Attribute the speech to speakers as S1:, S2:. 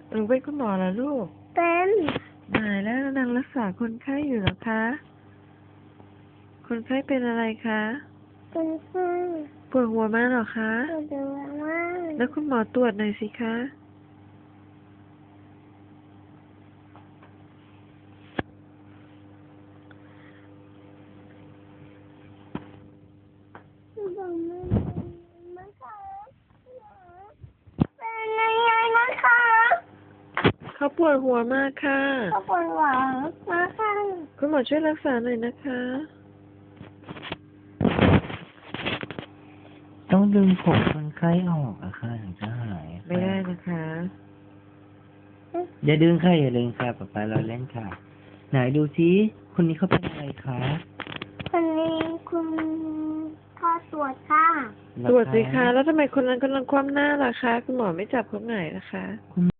S1: หนูเป็นคุณหมอเหรอลูก
S2: เป็น
S1: ตายแล้วนางรักษาคนไข้อยู่เหรอคะคนไข้เป็นอะไรคะ
S2: เป็นไข้
S1: ปวดหัวมากเหรอคะ
S2: ปวดหัวมาก
S1: แล้วคุณหมอตรวจหน่อยสิคะ
S2: บอกไม่ค่ะเป็นยังไงนะคะ
S1: เขาปวดหัวมากค่ะ
S2: เขาปวดหัวมากค่ะ
S1: คุณหมอช่วยรักษาหน่อยนะคะ
S3: ต้องดึงผมคนไข้ออกอะค่ะถึงจะหาย
S1: ไม่ได้นะคะ
S3: อย่าดึงค่ะอย่าดึงค่ะป๊าป๊าเราเล่นค่ะ ไหนดูซิคนนี้เขาเป็นอะไรคะ
S2: คนนี้คุณพ่อตรวจค่ะ
S1: ตรวจสิคะแล้วทำไมคนนั้นกำลังคว่ำหน้าล่ะคะคุณหมอไม่จับเขาไหนล่ะคะ
S3: คุณ